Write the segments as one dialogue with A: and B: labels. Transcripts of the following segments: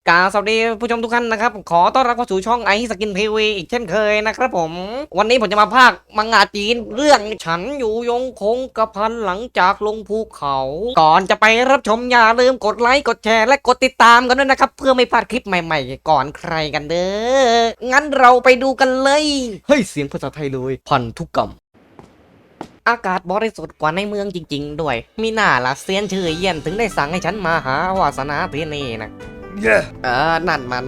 A: สวัสดีผู้ชมทุกท่านนะครับขอต้อนรับเข้าสู่ช่องไอสกินทีวีอีกเช่นเคยนะครับผมวันนี้ผมจะมาพากย์มังงะจีนเรื่องฉันอยู่ยงคงกระพันหลังจากลงภูเขาก่อนจะไปรับชมอย่าลืมกดไลค์กดแชร์และกดติดตามกันด้วยนะครับเพื่อไม่พลาดคลิปใหม่ๆก่อนใครกันเด้องั้นเราไปดูกันเลยเฮ้ยเสียงภาษาไทยเลยพันธุกรรมอากาศบริสุทธิ์กว่าในเมืองจริงๆด้วยมีหน้าละเซียนชื่อเยี่ยนถึงได้สั่งให้ฉันมาหาวาสนาที่นี่นะนั่นมัน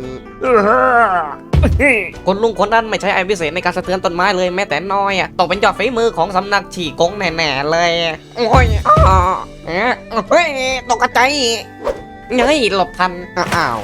A: คนลุงคนนั้นไม่ใช่ไอพิเศษในการสะเทือนต้นไม้เลยแม้แต่น้อยอ่ะต้องเป็นยอดฝีมือของสำนักฉี่กงแน่ๆเลยโอ้ยเฮ้ยตกใจเฮ้ยหลบทันอ้าว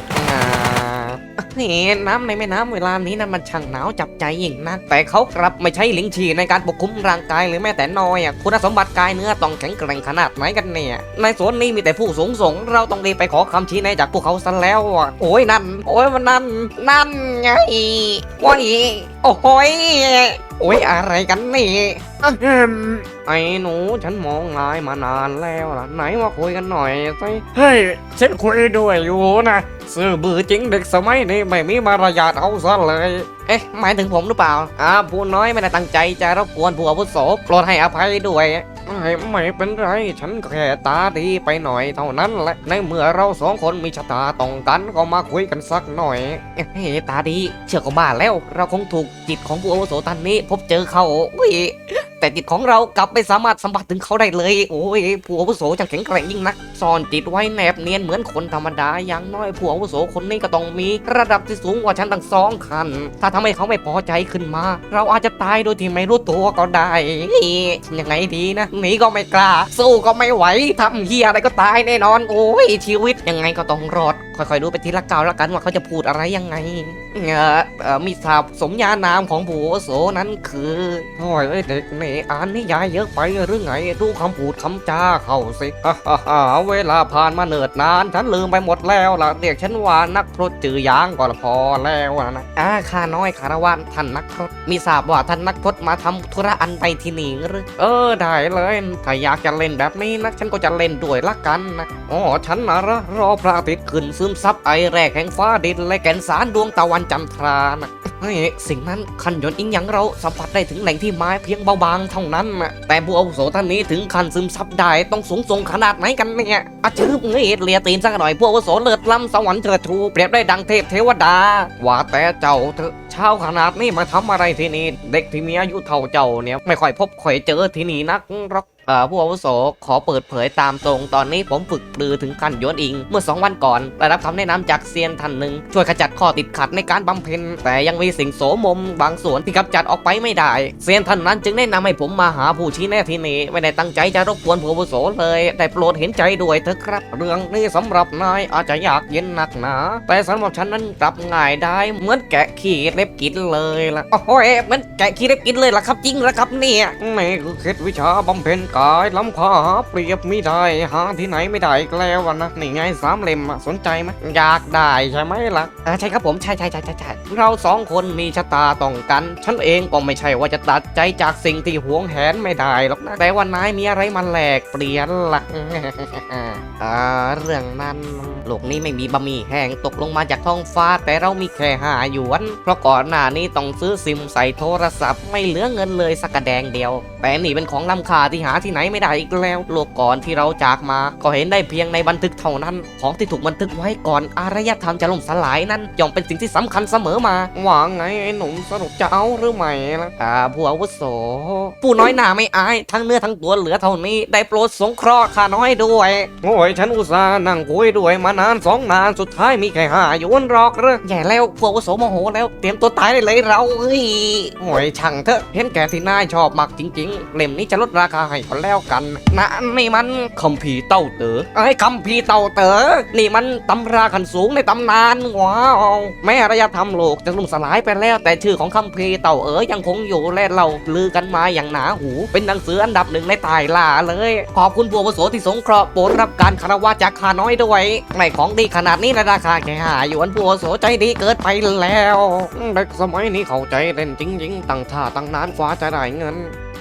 A: น้ำในแม่น้ำเวลานี้นั้นมันช่างหนาวจับใจยิ่งนักแต่เขากลับไม่ใช่ลิงฉี่ในการปกคุมร่างกายหรือแม้แต่น้อยอ่ะคุณสมบัติกายเนื้อต้องแข็งแกร่งขนาดไหนกันเนี่ยในสวนนี้มีแต่ผู้สูงส่งเราต้องรีบไปขอคำชี้แนะจากพวกเขาซะแล้วอ่ะโอ้ยนั่นโอ้ยมันนั่นไงว้ายโอ้ยโอ้ยอะไรกันนี่ไอ้หนูฉันมองนายมานานแล้วล่ะไหนมาคุยกันหน่อยสิเฮ้ยฉันคุยด้วยอยู่นะซื่อบื้อจริงเด็กสมัยนี้ไม่มีมารยาทเอาซะเลยเอ๊ะหมายถึงผมหรือเปล่าผู้น้อยไม่ได้ตั้งใจจะรบกวนผู้อาวุโสโปรดให้อภัยด้วยไม่เป็นไรฉันแค่ตาดีไปหน่อยเท่านั้นแหละในเมื่อเราสองคนมีชะตาตรงกันก็มาคุยกันสักหน่อยเฮ้ยตาดีเชื่อก็บ้าแล้วเราคงถูกจิตของผู้อาวุโสท่านนี้พบเจอเขาแต่จิตของเรากลับไม่สามารถสัมผัสถึงเขาได้เลยโอ้ยผู้อาวุโสจังแข็งแกร่งยิ่งนักซ่อนจิตไว้แนบเนียนเหมือนคนธรรมดาอย่างน้อยผู้อาวุโสคนนี้ก็ต้องมีระดับที่สูงกว่าฉันตั้ง2 ขั้นถ้าทำให้เขาไม่พอใจขึ้นมาเราอาจจะตายโดยที่ไม่รู้ตัวก็ได้ยังไงดีนะหนีก็ไม่กล้าสู้ก็ไม่ไหวทำเหี้ยอะไรก็ตายแน่นอนโอ้ยชีวิตยังไงก็ต้องรอดค่อยๆดูไปทีละก้าวละกันว่าเขาจะพูดอะไรยังไงมีศัพท์สมญานามของผู้อาวุโสนั้นคือโอ้ยเด็กนี่อ่านนิยายเยอะไปหรือไงดูคำพูดคำจาเขาสิเวลาผ่านมาเนิ่นนานฉันลืมไปหมดแล้วล่ะเรียกฉันว่านักพรตจือยางก็พอแล้วนะข้าน้อยคารวะท่านนักพรตมีทราบว่าท่านนักพรตมาทำธุระอันใดที่นี่หรือได้เลยถ้าอยากจะเล่นแบบนี้นะฉันก็จะเล่นด้วยละกันนะฉันนะรอพระอาทิตย์ขึ้นซึมซับไอแรกแห่งฟ้าดินและแก่นสารดวงตะวันจันทรานะสิ่งนั้นขันยนต์อิงอย่างเราสัมผัสได้ถึงแหล่งที่ไม้เพียงเบาบางเท่านั้นนะแต่ผู้อาวุโสท่านนี้ถึงขันซึมซับได้ต้องสูงส่งขนาดไหนกันเนี่ยชื่อเลียตีนสักหน่อยผู้อาวุโสเลิศล้ำสวรรค์เถิดทูเปรียบได้ดังเทพเทวดาว่าแต่เจ้าเถอะเช้าขนาดนี้มาทำอะไรที่นี่เด็กที่มีอายุเท่าเจ้าเนี่ยไม่ค่อยพบค่อยเจอที่นี่นักหรอกผู้อาวุโสขอเปิดเผยตามตรงตอนนี้ผมฝึกปรือถึงขั้นยวนอิงเมื่อ2 วันก่อนได้รับคำแนะนำจากเซียนท่านหนึ่งช่วยขจัดข้อติดขัดในการบำเพ็ญแต่ยังมีสิ่งโสมมบางส่วนที่กำจัดออกไปไม่ได้เซียนท่านนั้นจึงแนะนำให้ผมมาหาผู้ชี้แนะที่นี่ไม่ได้ตั้งใจจะรบกวนผู้อาวุโสเลยแต่โปรดเห็นใจด้วยเถอะครับเรื่องนี้สำหรับนายอาจจะยากเย็นหนักหนาแต่สำหรับฉันนั้นกลับง่ายได้เหมือนแกะขี้เล็บกินเลยล่ะโอ้ยเหมือนแกะขี้เล็บกินเลยล่ะครับจริงเหรอครับเนี่ยนี่คือเคล็ดวิชาบำเพ็ญกายล้ำค่าหาเปรียบไม่ได้หาที่ไหนไม่ได้อีกแล้วนะนี่ไง3 เล่มสนใจไหมอยากได้ใช่ไหมล่ะใช่ครับผมใช่เรา2 คนมีชะตาต้องกันฉันเองก็ไม่ใช่ว่าจะตัดใจจากสิ่งที่หวงแหนไม่ได้หรอกนะแต่ว่านายมีอะไรมาแลกเปลี่ยนล่ะเรื่องนั้นโลกนี้ไม่มีบะหมี่แห้งตกลงมาจากท้องฟ้าแต่เรามีแค่5 หยวนเพราะก่อนหน้านี้ต้องซื้อซิมใส่โทรศัพท์ไม่เหลือเงินเลยสักกระแดงเดียวแต่นี่เป็นของล้ำค่าที่หาที่ไหนไม่ได้อีกแล้วโลกก่อนที่เราจากมาก็เห็นได้เพียงในบันทึกเท่านั้นของที่ถูกบันทึกไว้ก่อนอารยธรรมจะล่มสลายนั้นย่อมเป็นสิ่งที่สำคัญเสมอมาว่าไงไอ้หนุ่มสรุปจะเอาหรือไม่ล่ะผู้อาวุโสผู้น้อยหน้าไม่อายทั้งเนื้อทั้งตัวเหลือเท่านี้ได้โปรดสงเคราะห์ข้าน้อยด้วยโอ้ยฉันอุตส่าห์นั่งคุยด้วยมานาน2 นานสุดท้ายมีแค่5 หยวนหรอกเหรอแย่แล้วผู้อาวุโสโมโหแล้วเตรียมตัวตายได้เลยเราโอ้ยช่างเถอะเห็นแก่ที่นายชอบมากจริงๆเล่มนี้จะลดราคาให้ก็แล้วกันนะนี่มันคัมภีร์เต้าเต๋อคัมภีร์เต้าเต๋อนี่มันตำราขั้นสูงในตำนานว้าวแม้อารยธรรมโลกจะล่มสลายไปแล้วแต่ชื่อของคัมภีร์เต้ายังคงอยู่และเราลือกันมาอย่างหนาหูเป็นหนังสืออันดับ 1ในใต้ล่าเลยขอบคุณผู้อาวุโสที่สงเคราะห์โปรดรับการคารวะจากข้าน้อยด้วยไม่ของดีขนาดนี้ในราคาแค่5 หยวนผู้อาวุโสใจดีเกินไปแล้วเด็กสมัยนี้เข้าใจเล่นจริงๆตั้งท่าตั้งนานกว่าจะได้เงิน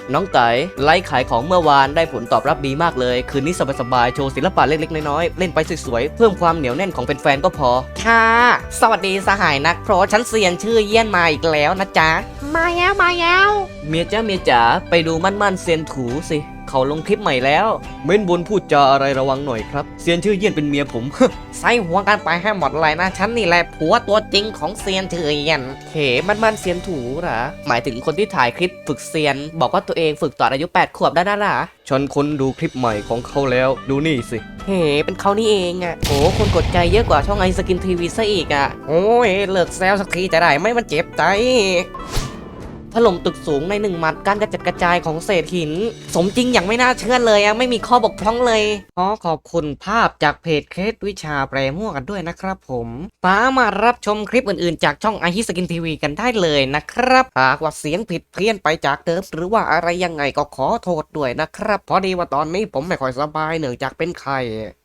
A: น้องไก่ไลฟ์ขายของเมื่อวานได้ผลตอบรับดีมากเลยคืนนี้สบายๆโชว์ศิลปะเล็กๆน้อยๆเล่นไปสวยๆเพิ่มความเหนียวแน่นของแฟนๆก็พอค่ะสวัสดีสหายนักเพราะฉันเซียนชื่อเยี่ยนมาอีกแล้วนะจ๊ะมาแล้วเมียจ๋าไปดูมั่นๆเซียนถูสิเขาลงคลิปใหม่แล้วเม้นบนพูดจาอะไรระวังหน่อยครับเซียนชื่อเยี่ยนเป็นเมียผม ใส่หัวกันไปให้หมดเลยนะฉันนี่แหละผัวตัวจริงของเซียนชื่อเยี่ยนมันเซียนถูหรอหมายถึงคนที่ถ่ายคลิปฝึกเซียนบอกว่าตัวเองฝึกตอนอายุ8 ขวบได้นะล่ะฉันคนดูคลิปใหม่ของเขาแล้วดูนี่สิเป็นเขานี่เองอ่ะโอ้คนกดใจเยอะกว่าช่องไอสกินทีวีซะอีกอ่ะโอ้ยเลิกแซวสักทีจะได้ไหม่มันเจ็บใจถล่มตึกสูงใน1 หมัดการกระจัดกระจายของเศษหินสมจริงอย่างไม่น่าเชื่อเลยอะไม่มีข้อบกพร่องเลยขอบคุณภาพจากเพจเคสวิชาแปรมั่วกันด้วยนะครับผมสามารถรับชมคลิปอื่นๆจากช่องไอฮิสกินทีวีกันได้เลยนะครับหากว่าเสียงผิดเพี้ยนไปจากเดิมหรือว่าอะไรยังไงก็ขอโทษด้วยนะครับพอดีว่าตอนนี้ผมไม่ค่อยสบายเนื่องจากเป็นไข้